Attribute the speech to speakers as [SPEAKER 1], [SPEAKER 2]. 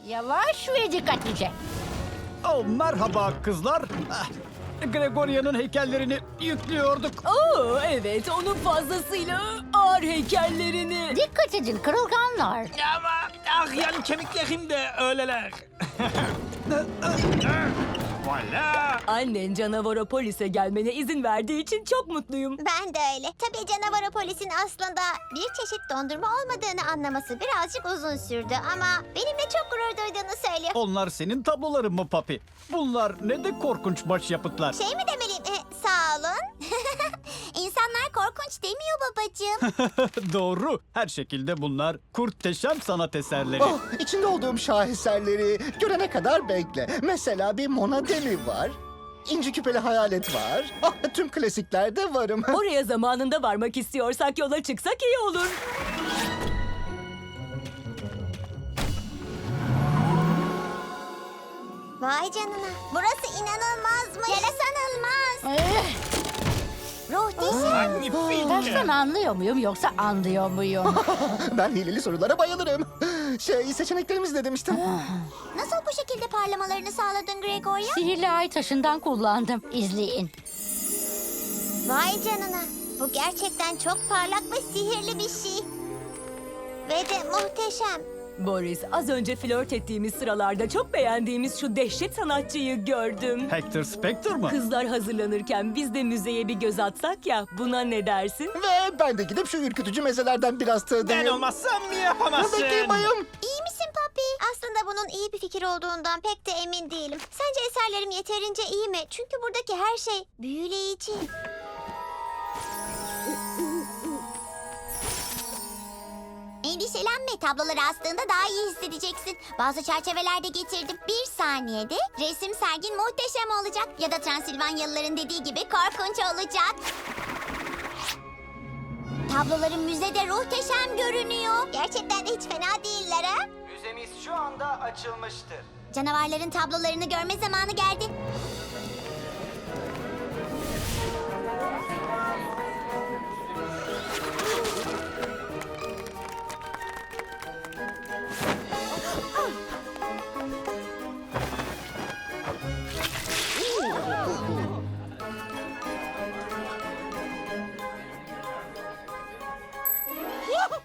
[SPEAKER 1] Yavaş ve dikkatlice.
[SPEAKER 2] Oh, merhaba kızlar. Gregoria'nın heykellerini yüklüyorduk.
[SPEAKER 3] Oo, evet, onun fazlasıyla ağır heykellerini.
[SPEAKER 1] Dikkat edin kırılganlar.
[SPEAKER 4] Ama yani kemiklerim de öyleler. Valla.
[SPEAKER 3] Annen Canavaropolis'e gelmene izin verdiği için çok mutluyum.
[SPEAKER 5] Ben de öyle. Tabii Canavaropolis'in aslında bir çeşit dondurma olmadığını anlaması birazcık uzun sürdü ama benimle çok gurur duyduğunu söylüyor.
[SPEAKER 2] Onlar senin tabloların mı papi? Bunlar ne de korkunç başyapıtlar.
[SPEAKER 5] Şey mi demeliyim? Sağ olun. İnsanlar korkunç demiyor babacığım.
[SPEAKER 2] Doğru. Her şekilde bunlar kurteşem sanat eserleri.
[SPEAKER 6] Oh, içinde olduğum şaheserleri görene kadar bekle. Mesela bir Mona Demi var. İnci küpeli hayalet var. Ah, tüm klasiklerde varım.
[SPEAKER 3] Oraya zamanında varmak istiyorsak yola çıksak iyi olur.
[SPEAKER 5] Vay canına. Burası inanılmazmış. Yarasanılmaz. Ruhteşem.
[SPEAKER 4] Magnifique.
[SPEAKER 1] Dersten anlıyor muyum yoksa anlıyor muyum?
[SPEAKER 6] Ben hileli sorulara bayılırım. Seçeneklerimiz ne demiştim?
[SPEAKER 5] Nasıl bu şekilde parlamalarını sağladın Gregoria?
[SPEAKER 1] Sihirli ay taşından kullandım. İzleyin.
[SPEAKER 5] Vay canına. Bu gerçekten çok parlak ve sihirli bir şey. Ve de muhteşem.
[SPEAKER 3] Boris, az önce flört ettiğimiz sıralarda çok beğendiğimiz şu dehşet sanatçıyı gördüm.
[SPEAKER 2] Hector Spector mı?
[SPEAKER 3] Kızlar hazırlanırken biz de müzeye bir göz atsak ya, buna ne dersin?
[SPEAKER 6] Ve ben de gidip şu ürkütücü mezelerden biraz
[SPEAKER 4] Ben
[SPEAKER 6] tadayım.
[SPEAKER 4] olmazsam yapamazsın.
[SPEAKER 6] Bekleyin bayım.
[SPEAKER 5] İyi misin Papi? Aslında bunun iyi bir fikir olduğundan pek de emin değilim. Sence eserlerim yeterince iyi mi? Çünkü buradaki her şey büyüleyici. Endişelenme, tabloları astığında daha iyi hissedeceksin. Bazı çerçeveler de getirdim. Bir saniyede resim sergin muhteşem olacak. Ya da Transilvanyalıların dediği gibi korkunç olacak. Tabloların müzede muhteşem görünüyor. Gerçekten de hiç fena değiller ha?
[SPEAKER 7] Müzemiz şu anda açılmıştır.
[SPEAKER 5] Canavarların tablolarını görme zamanı geldi.